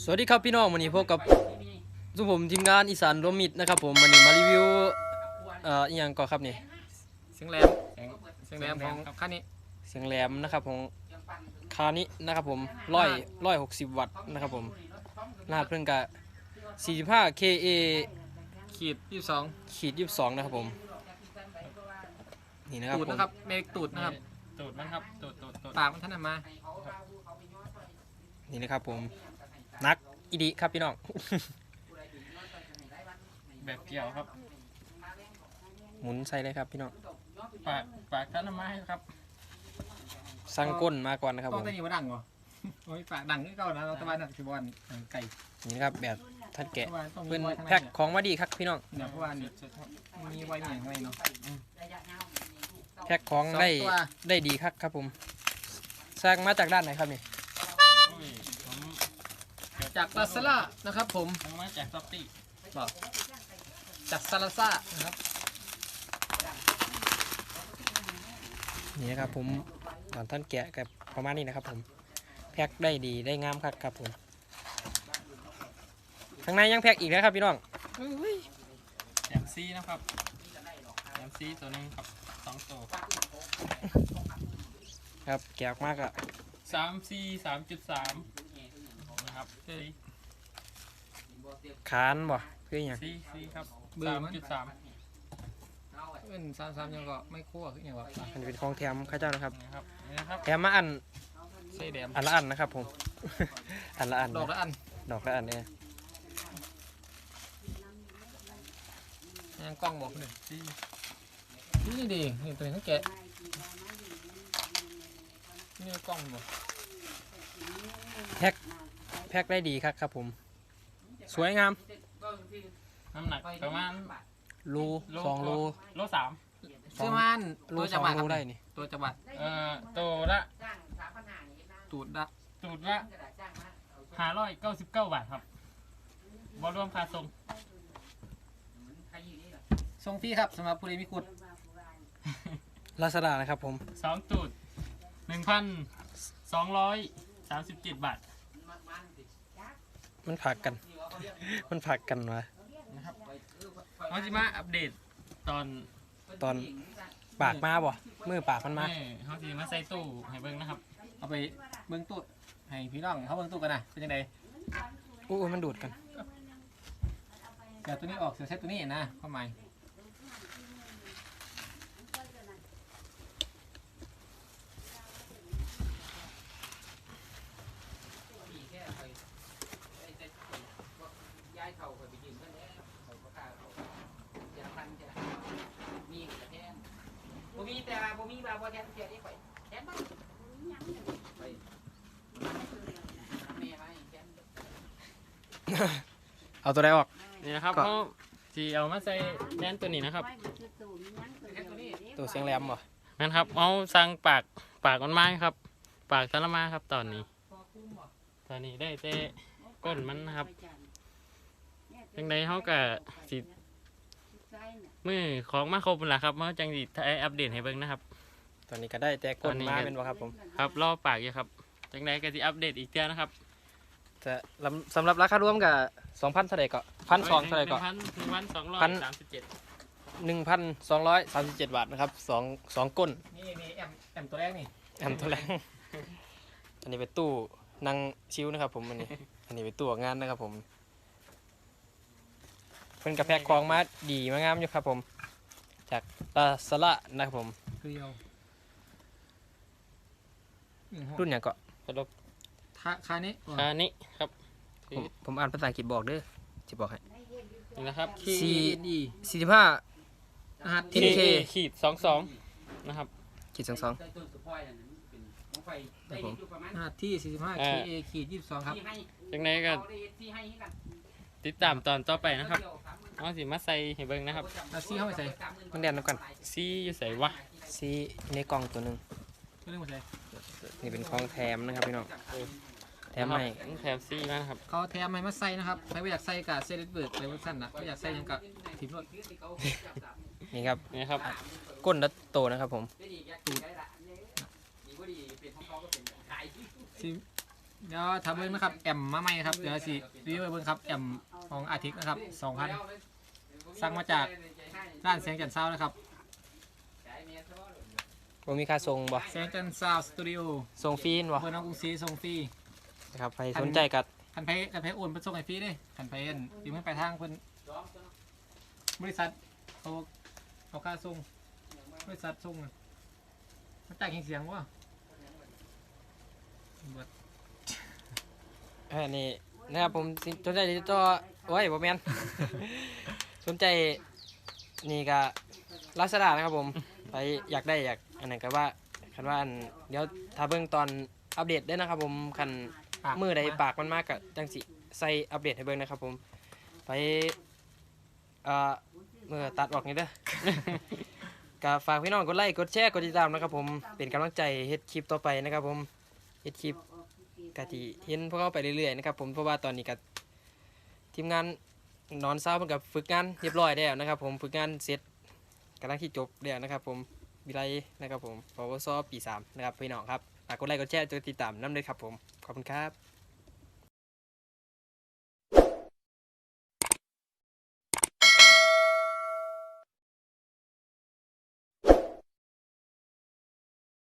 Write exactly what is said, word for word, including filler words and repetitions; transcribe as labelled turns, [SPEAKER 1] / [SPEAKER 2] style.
[SPEAKER 1] สวัสดีครับพี่น้องวันนี้พบกับสุผมทีมงานอีสานรวมมิตรนะครับผมวันนี้มารีวิวเอ่ออีกอย่างก่อนครับนี่
[SPEAKER 2] เสียงแหลมเสียงแหลมของคันนี้
[SPEAKER 1] เสียงแหลมนะครับของคานี้นะครับผมร้อยร้อยหกสิบวัตต์นะครับผมรหัสเพิ่งกะสี่สิบห้า เค เอ
[SPEAKER 2] ขีดยี่สิบสอง
[SPEAKER 1] ขีดยี่สิบสองนะครับผมนี่นะครับ
[SPEAKER 2] ตูดนะครับเมกตูดนะครับตูดมันครับตูดตูดตูดปากมันท่านมา
[SPEAKER 1] นี่นะครับผมนักอีดีครับพี่น้อง
[SPEAKER 2] แบบเกี่ยวครับ
[SPEAKER 1] หมุนใส่เลยครับพี่น้อง
[SPEAKER 2] ปากปากท่านมาให้ครับ
[SPEAKER 1] สั่งก้นมาก่อนนะครับผม
[SPEAKER 2] ต้องได้ยินว่าดังเหรอโอ้ยปากดังนี่ก็นะเราตะวันนักชิบอนไก่
[SPEAKER 1] นี่นะครับแบบท่านแกะเพื่อนแพ็คของมาดีครับพี่น้อง
[SPEAKER 2] เนี่ยเพราะว่านี่มีไว้เนี่ยข้างในเนาะ
[SPEAKER 1] แพ็คของได้ได้ดีครับครับผมสร้างมาจากด้านไหนครับนี่
[SPEAKER 2] จากลาซาร่านะครับผมมาจากซ็อปปี้บอกจากซาลาซ่านะครับ
[SPEAKER 1] นี่นะครับผมตอนท่านแกะกับประมาณนี้นะครับผมแพ็คได้ดีได้งามครับครับผมข้างในยังแพ็คอีกนะครับพี่น้อง
[SPEAKER 2] แถมซีนะครับแถมซีตัวนึงครับสองตัว
[SPEAKER 1] ครับแกะมากอะ
[SPEAKER 2] สามซีสามจุดสามนะครับ
[SPEAKER 1] คานบ่เพื่ออย่าง
[SPEAKER 2] ซีซีครับสามจุดสามเป็นสามสามยังก็ไม่คั่วคืออย่างว่า
[SPEAKER 1] มันเป็นของแถมข้าเจ้านะครับ
[SPEAKER 2] นะครับ
[SPEAKER 1] แถมมาอัน
[SPEAKER 2] ใส่แดม
[SPEAKER 1] อันละอันนะครับผมอันละอัน
[SPEAKER 2] ดอกละอัน
[SPEAKER 1] ดอกละอันเนี่ย
[SPEAKER 2] ยังกล้องบอกหนึ่งซีนี่ดีนี่ตัวนี้ทั้งแกะนี่กล้องบอก
[SPEAKER 1] แพ็คแพ็คได้ดีครับครับผมสวยงาม
[SPEAKER 2] น้ำหนักประมาณ
[SPEAKER 1] โลสองโล
[SPEAKER 2] โลสามซื้อมัน
[SPEAKER 1] โลสองโลได้นี่
[SPEAKER 2] ตัวจังหวัดเอ่อตัวละตูดละตูดละห้าร้อยเก้าสิบเก้าบาทครับบรวมค่าส่งส่งฟรีครับสำหรับผู้ใดมีขุด
[SPEAKER 1] ลาซาด้านะครับผม
[SPEAKER 2] สองตูดหนึ่งพันสองร้อยสามสิบเจ็ดบาท
[SPEAKER 1] มันผักกันมันผักกันวะ
[SPEAKER 2] นะครับเขาจะมาอัปเดตตอน
[SPEAKER 1] ตอนปากมาบ่มือปากมันมา
[SPEAKER 2] เขาจะมาใส่ตู้ให้เบิ้งนะครับเอาไปเบิ้งตู้ให้พี่น้องเขาเบิ้งตู้กันนะเป็นยังไง
[SPEAKER 1] อู้มันดูดกัน
[SPEAKER 2] เดี๋ยวตัวนี้ออกเสียเซตตัวนี้นะเข้ามาบ่มีแต่บ่มีบาบ่แทนเสียได้ข่อยแทนบ่ไปแม่มาแทน
[SPEAKER 1] เอาตัวใดออก
[SPEAKER 2] นี่นะครับเขาสิเอามาใส่แทนตัวนี้นะครับ
[SPEAKER 1] ตัวเสียงแหลมบ่
[SPEAKER 2] นั่นครับเอาสั่งปากปากมันไม้ครับปากสารมาครับตอนนี้ตอนนี้ได้แต่ก้นมันนะครับจังใดเขาก็สิมือของมาครบแล้วครับเมื่อจังสิอัปเดตให้เบิ่งนะครับ
[SPEAKER 1] ตอนนี้ก็ได้แต่ก้นมาเป็นบ่ครับผม
[SPEAKER 2] ครับรอปากอยู่ครับจังใดก็สิอัปเดตอีกเทื่อนะครับ
[SPEAKER 1] แต่สำหรับราคารวมกับสองพันเท่าไหร่ก็พันสองเท่าไหร่ก็
[SPEAKER 2] พันหนึ่งพันสองร้อยสามสิบเจ็ด
[SPEAKER 1] หนึ่งพันสองร้อยสามสิบเจ็ดบาทนะครับสองสองก้น
[SPEAKER 2] นี่นี่แอมแอมตัวแรกนี่
[SPEAKER 1] แอมตัวแรกอันนี้เป็นตู้นั่งชิวนะครับผมอันนี้อันนี้เป็นตู้งานนะครับผมเป็นกระแพกคลองมาดีมางามอยู่ครับผมจากลาซาร่านะครับผมรุ่นอย่างก็
[SPEAKER 2] สรุปคานี้คานี้ครับ
[SPEAKER 1] ผมผมอ่านภาษาอังกฤษบอกเด้อจะบอกให้
[SPEAKER 2] นี่นะครับ
[SPEAKER 1] สี่สี่สิบห้า
[SPEAKER 2] ทีเคขีดสองสองนะครับ
[SPEAKER 1] ขีดสองสอง
[SPEAKER 2] ที่สี่สิบห้าเคเอขีดยี่สิบสองครับจากนั้นก็ติดตามตอนต่อไปนะครับเอาสิมาใส่ให้เบิ่งนะครับเอาซีเข้าไปใส่
[SPEAKER 1] มันเด่นแล้วกัน
[SPEAKER 2] ซีอยู่ใส่วะ
[SPEAKER 1] ซีในกล่องตัวหนึ่งนี่เป็นของแถมนะครับพี่น้องแถมให้
[SPEAKER 2] แถมซีมาครับเขาแถมให้มาใส่นะครับใครไม่อยากใส่กับเซเลตเบิร์ดใส่เวอร์ชันนะไม่อยากใส่ยังกับทีมรถ
[SPEAKER 1] นี่ครับ
[SPEAKER 2] นี่ครับ
[SPEAKER 1] ก้นดัตโตนะครับผม
[SPEAKER 2] ซี
[SPEAKER 1] เดี๋ยวทำเบิ้งนะครับแอมมาใหม่ครับเดี๋ยวสิรีวิวเบิ้งครับแอมของอาทิตย์นะครับสองพันสั่งมาจากร้านเสียงจันทร์ซาวนะครับ
[SPEAKER 3] บ่มีค่าส่งบ่
[SPEAKER 1] เสียงจันทร์ซาวสตูดิโอ
[SPEAKER 3] ส่งฟรีนบ่
[SPEAKER 1] เบอร์น้องกรุงศรีส่งฟรี
[SPEAKER 3] นะครับใครสนใจกัด
[SPEAKER 1] คันไพคันไพโอนเป็นส่งให้ฟรีเด้คันไพเอ็นยืมเงินไปลายทางเพิ่นบริษัทเขาเขาค่าส่งบริษัทส่งน่ะมันจ่ายเสียงวะเบิด
[SPEAKER 3] อันนี้นะครับผมสิสนใจติดต่อโอ้ยบ่แม่น สนใจนี่ก็ลาซาด้านะครับผมไปอยากได้อยากอันนั้นก็ว่าคันว่าอันเดี๋ยวถ้าเบิ่งตอนอัปเดตได้นะครับผมคัน
[SPEAKER 1] ปาก
[SPEAKER 3] มือใดปากมันมากก็จังสิใส่อัปเดตให้เบิ่งนะครับผมไปเอ่อเมื่อตัดออกนี่เด้อ ก็ฝากพี่น้องกดไลค์กดแชร์กดติดตามนะครับผมเป็นกำลังใจเฮ็ดคลิปต่อไปนะครับผมเฮ็ดคลิปกะทิเห็นพวกเขาไปเรื่อยๆนะครับผมเพราะว่าตอนนี้ก็ทีมงานนอนเช้าเพิ่นกับฝึกงานเรียบร้อยแล้วนะครับผมฝึกงานเสร็จกำลังที่จบแล้วนะครับผมวิไลนะครับผมปวสปีสามนะครับพี่น้องครับฝากกดไลค์กดแชร์กดติดตามน้ำเลยครับผมขอบคุณครับ